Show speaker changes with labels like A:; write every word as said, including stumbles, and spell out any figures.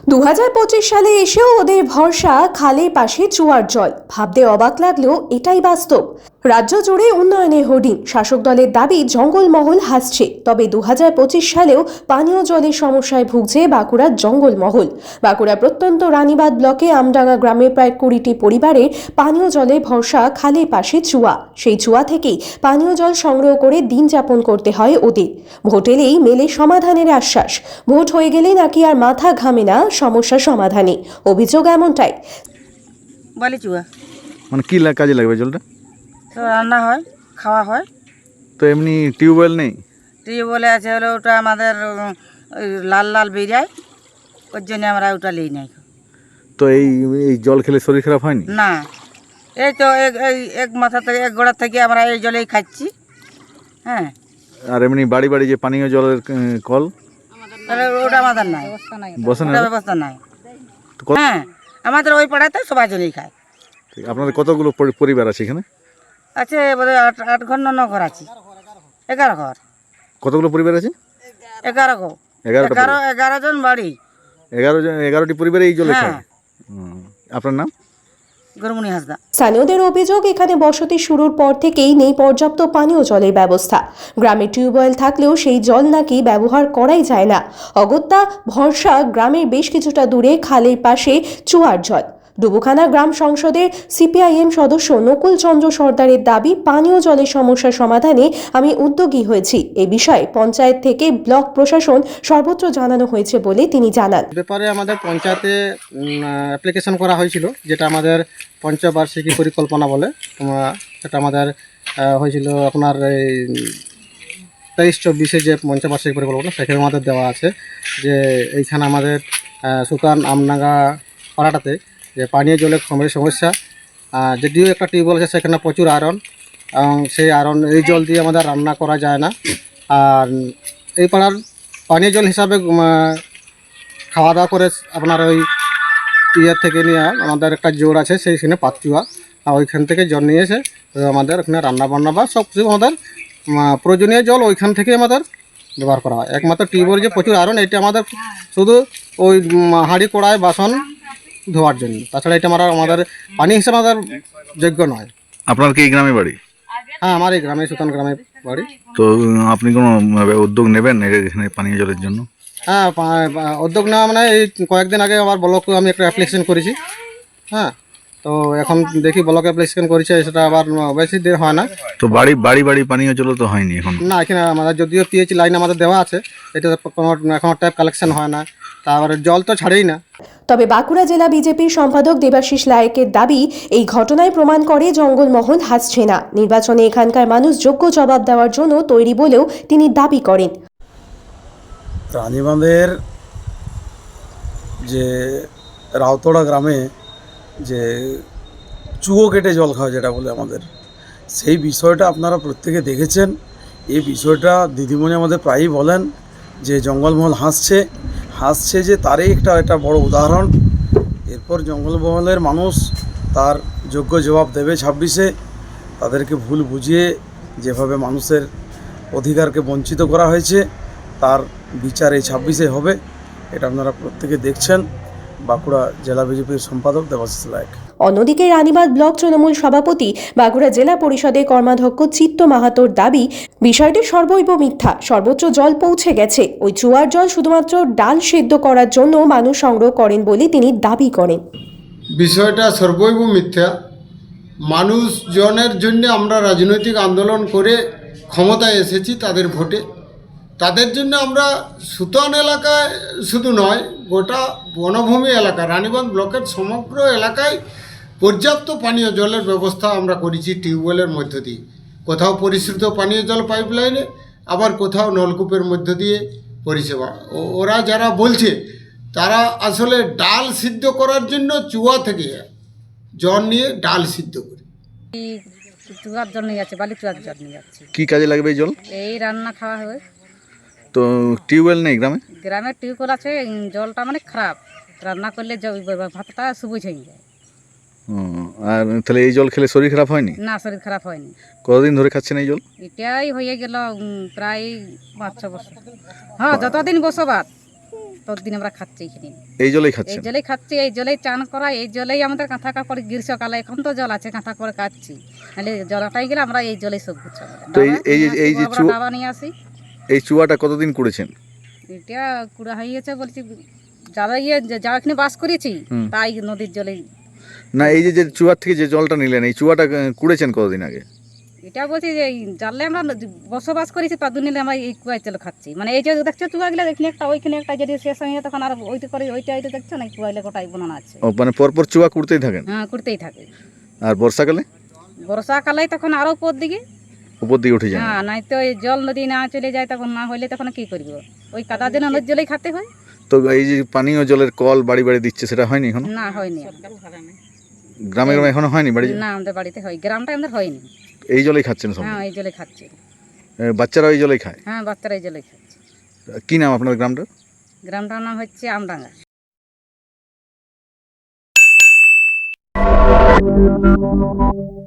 A: দু হাজার পঁচিশ সালে এসেও ওদের ভরসা খালের পাশে চুয়ার জল। ভাবতে অবাক লাগলেও এটাই বাস্তব। রাজ্য জুড়ে উন্নয়নের হোর্ডিং, শাসক দলের দাবি জঙ্গলমহল হাসছে। তবে দু হাজার পঁচিশ সালেও পানীয় জলের সমস্যায় ভুগছে বাঁকুড়ার জঙ্গলমহল। বাঁকুড়া প্রত্যন্ত রানীবাঁধ ব্লকে আমডাঙ্গা গ্রামের প্রায় কুড়িটি পরিবারের পানীয় জলের ভরসা খালের পাশে চুয়া। সেই চুয়া থেকেই পানীয় জল সংগ্রহ করে দিন যাপন করতে হয় ওদের। ভোট এলেই মেলে সমাধানের আশ্বাস, ভোট হয়ে গেলে নাকি আর মাথা ঘামে না সমস্যা সমাধানে। অভিযোগ এমনটাই।
B: বালি চুয়া
C: মানে কি লা- কাজে লাগবে জলটা?
B: তো রান্না হয়, খাওয়া হয়।
C: তো এমনি টিউবওয়েল নেই?
B: টিউবওয়েলে আছে হলো ওটা আমাদের উম, ওই লাল লাল বেরিয়ায়, ওর জন্য আমরা ওটা নিই নাই।
C: তো এই এই জল খেলে শরীর খারাপ হয়নি?
B: না, এই তো এক এই এক মাথা থেকে এক গোড়া থেকে আমরা এই জলেই খাচ্ছি। হ্যাঁ,
C: আর এমনি বাড়ি বাড়ি যে পানীয় জলের আহ, কল
B: তাহলে ওটা আমাদের নাই,
C: বসে না?
B: ওটা ব্যবস্থা নাই।
C: তো কত-
B: হ্যাঁ, আমাদের ওই পাড়াতে সবাই জলেই খায়।
C: ঠিক, আপনাদের কতগুলো পরি- পরিবার আছে এখানে?
B: আছে বোধ হয় আট আট ঘর না ন ঘর আছে, এগারো ঘর,
C: কতগুলো পরিবার আছে?
B: এগারো ঘর,
C: এগারোটা
B: এগারো
C: পরিবার।
B: এগারো জন বাড়ি।
C: এগারো জন এগারোটি পরিবারে এই জলে
B: হ্যাঁ,
C: খায়। হুম। আপনার নাম?
B: গরমুনি হাসদা।
A: স্থানীয়দের অভিযোগ, এখানে বসতি শুরুর পর থেকেই নেই পর্যাপ্ত পানীয় জলের ব্যবস্থা। গ্রামে টিউবওয়েল থাকলেও সেই জল নাকি ব্যবহার করাই যায় না। অগত্যা ভরসা গ্রামের বেশ কিছুটা দূরে খালের পাশে চুয়ার জল। ডুবুখানা গ্রাম সংসদের সিপিআইএম সদস্য নকুল চন্দ্র সর্দারের দাবি, পানীয় জলের সমস্যা সমাধানে আমি উদ্যোগী হয়েছি। এ বিষয়ে পঞ্চায়েত থেকে ব্লক প্রশাসন সর্বত্র জানানো হয়েছে বলে তিনি জানান।
D: ব্যাপারে আমাদের পঞ্চায়েতে অ্যাপ্লিকেশন করা হয়েছিল, যেটা আমাদের পঞ্চবার্ষিকী পরিকল্পনা বলে। তোমরা সেটা আমাদের আহ, হয়েছিল আপনার এই তেইশ চব্বিশে যে পঞ্চবার্ষিকী পরিকল্পনা, সেখানে আমাদের দেওয়া আছে যে এইখানে আমাদের আহ, সুকান আমনাগা পাড়াটাতে যে পানীয় জলের খুবই সমস্যা। আহ, যদিও একটা টিউবওয়েল আছে, সেখানে প্রচুর আয়রন, এবং সেই আয়রন এই জল দিয়ে আমাদের রান্না করা যায় না। আর এই পাড়ার পানীয় জল হিসাবে উম, খাওয়া দাওয়া করে আপনার ওই ইয়ার থেকে নিয়ে আমাদের একটা জোর আছে, সেইখানে পাতচুয়া, আর ওইখান থেকে জল নিয়ে এসে তো আমাদের ওখানে রান্না বান্না বা সব কিছু আমাদের উম, প্রয়োজনীয় জল ওইখান থেকে আমাদের ব্যবহার করা হয়। একমাত্র টিউবওয়েল যে প্রচুর আয়রন, এটা আমাদের শুধু ওই উম, হাঁড়ি কড়াই বাসন ধোয়ার জন্য, তাছাড়া এটা আমরা আমাদের পানি হিসেবে আমাদের যোগ্য নয়।
C: আপনার কি এই গ্রামে বাড়ি?
D: হ্যাঁ, আমার এই গ্রামে সুতান গ্রামে বাড়ি।
C: তো উম, আপনি কোনো আহ, উদ্যোগ নেবেন এর- এখানে পানীয় জলের জন্য?
D: হ্যাঁ, পা- পা- উদ্যোগ নেওয়া মানে এই কয়েকদিন আগে আমার ব্লকে আমি একটা অ্যাপ্লিকেশন করেছি। হ্যাঁ, তো এখন দেখি ব্লকে অ্যাপ্লিকেশন করেছে, সেটা আবার বেশি দিন হয় না।
C: তো বাড়ি বাড়ি বাড়ি পানীয় জল তো হয়নি এখন?
D: না, এখানে আমাদের যদিও পিএইচ লাইন আমাদের দেওয়া আছে, এটা কোনো এখনও ট্যাপ কালেকশন হয় না, তারপরে জল তো ছাড়েই না।
A: তবে বাঁকুড়া জেলা বিজেপির সম্পাদক দেবাশিস লায়েকের দাবি, এই ঘটনায় প্রমাণ করে জঙ্গলমহল হাসছে না। নির্বাচনে এখানকার মানুষ যোগ্য জবাব দেওয়ার জন্য তৈরি বলেও তিনি দাবি করেন।
E: রানীবাঁধের যে রাউতড়া গ্রামে যে চুয়ো কেটে জল খাওয়া যেটা বলে আমাদের, সেই বিষয়টা আপনারা প্রত্যেকে দেখেছেন। এই বিষয়টা দিদিমণি আমাদের প্রায়ই বলেন যে জঙ্গলমহল হাসছে হাসছে যে তারই একটা একটা বড় উদাহরণ। এরপর জঙ্গলমহলের মানুষ তার যোগ্য জবাব দেবে ছাব্বিশে। তাদেরকে ভুল বুঝিয়ে যেভাবে মানুষের অধিকারকে বঞ্চিত করা হয়েছে, তার বিচার এই ছাব্বিশে হবে। এটা আপনারা প্রত্যেকে দেখছেন। বাঁকুড়া জেলা বিজেপির সম্পাদক দেবাশিস লায়েক।
A: অন্যদিকে রানীবাঁধ ব্লক তৃণমূল সভাপতি, বাঁকুড়া জেলা পরিষদের কর্মাধ্যক্ষ চিত্ত মাহাতোর দাবি, বিষয়টি সর্বৈব মিথ্যা। সর্বোচ্চ জল পৌঁছে গেছে। ওই চুয়ার জল শুধুমাত্র ডাল সেদ্ধ করার জন্য মানুষ সংগ্রহ করেন বলে তিনি দাবি করেন।
F: বিষয়টা সর্বৈব মিথ্যা। মানুষজনের জন্য আমরা রাজনৈতিক আন্দোলন করে ক্ষমতায় এসেছি তাদের ভোটে। তাদের জন্য আমরা সুতান এলাকায় শুধু নয়, গোটা বনভূমি এলাকা রানীবাঁধ ব্লকের সমগ্র এলাকায় পর্যাপ্ত পানীয় জলের ব্যবস্থা আমরা করেছি টিউবওয়েলের মধ্য দিয়ে। কোথাও পরিশ্রুত পানীয় জল পাইপলাইনে, আবার কোথাও নলকূপের মধ্য দিয়ে পরিষেবা। ও- ওরা যারা বলছে, তারা আসলে ডাল সিদ্ধ করার জন্য চুয়া থেকে জল নিয়ে ডাল সিদ্ধ করে।
B: চুয়ার জল নিয়ে যাচ্ছে, বালি চুয়ার জল নিয়ে যাচ্ছে।
C: কি কাজে লাগবে এই জল?
B: এই রান্না খাওয়া হয়।
C: তো টিউবওয়েল নেই গ্রামে?
B: গ্রামের টিউবওয়েল আছে, উম, জলটা মানে খারাপ, রান্না করলে জ- ভাতটা সবুজ হয়ে যায়।
C: হুম, আর তাহলে এই জল খেলে শরীর খারাপ হয়নি?
B: না, শরীর খারাপ হয়নি।
C: কতদিন ধরে খাচ্ছেন এই জল?
B: এটাই হয়ে গেল উম, প্রায় পাঁচ ছ বছর। হ্যাঁ, যতদিন বসবাস।
G: ততদিন আমরা খাচ্ছি এখানে,
C: এই জলেই
G: এই
C: খাচ্ছেন?
G: জলেই খাচ্ছি, এই জলেই চান করা, এই জলেই আমাদের কাঁথা কাপড় গ্রীষ্মকালে এখন তো জল আছে কাঁথা করে কাচ্ছি, নাহলে জলটাই গেলে আমরা এই জলেই সব কিছু আমাদের।
C: তো এই- এই যে- এই যে
G: ডাবা-
C: চু-
G: ডাবা নিয়ে আসি,
C: এই চুয়াটা কতদিন করেছেন?
G: এটা কুড়া হয়ে গেছে বলছি, যারা ইয়ে যা এখানে বাস করেছি
C: হুম।
G: তাই নদীর জলে।
C: না, এই যে যে চুয়ার থেকে যে জলটা নিলেন, এই চুয়াটা আহ, কুড়েছেন কতদিন আগে?
G: এটা বলছি যে এই জানলে আমরা বসবাস করেছি তার জন্য আমরা এই কুয়ায় জল খাচ্ছি, মানে এই যে দেখছো চুয়াগুলো এখানে একটা ওইখানে একটা যদি শেষ হয়ে যায় তখন আর ওইটা করে ওইটা ওইটা দেখছো না, কুয়াগুলো গোটাই বানানো আছে।
C: ও মানে পরপর চুয়া কুড়তেই থাকেন?
G: হ্যাঁ, করতেই থাকে।
C: আর বর্ষাকালে
G: বর্ষাকালে তখন আরো উপর দিকে,
C: উপর দিকে উঠে যান?
G: হ্যাঁ, নাই তো এই জল নদী না চলে যায় তখন না হইলে তখন কি করবো, ওই কাদা দিন নদীর জলেই খেতে হয়।
C: তো এই যে পানীয় জলের কল বাড়ি বাড়ি দিচ্ছে, সেটা হয়নি এখন?
G: না হয়নি,
C: গ্রামে গ্রামে এখনো হয়নি বাড়ি?
G: না আমাদের বাড়িতে হয়, গ্রামটা আমাদের হয়নি।
C: এই জলেই খাচ্ছেন সব?
G: হ্যাঁ, এই জলে খাচ্ছি,
C: বাচ্চারা এই জলেই খায়?
G: হ্যাঁ, বাচ্চারা এই জলে খাচ্ছে।
C: কি নাম আপনার গ্রামটা?
G: গ্রামটার নাম হচ্ছে আমডাঙ্গা।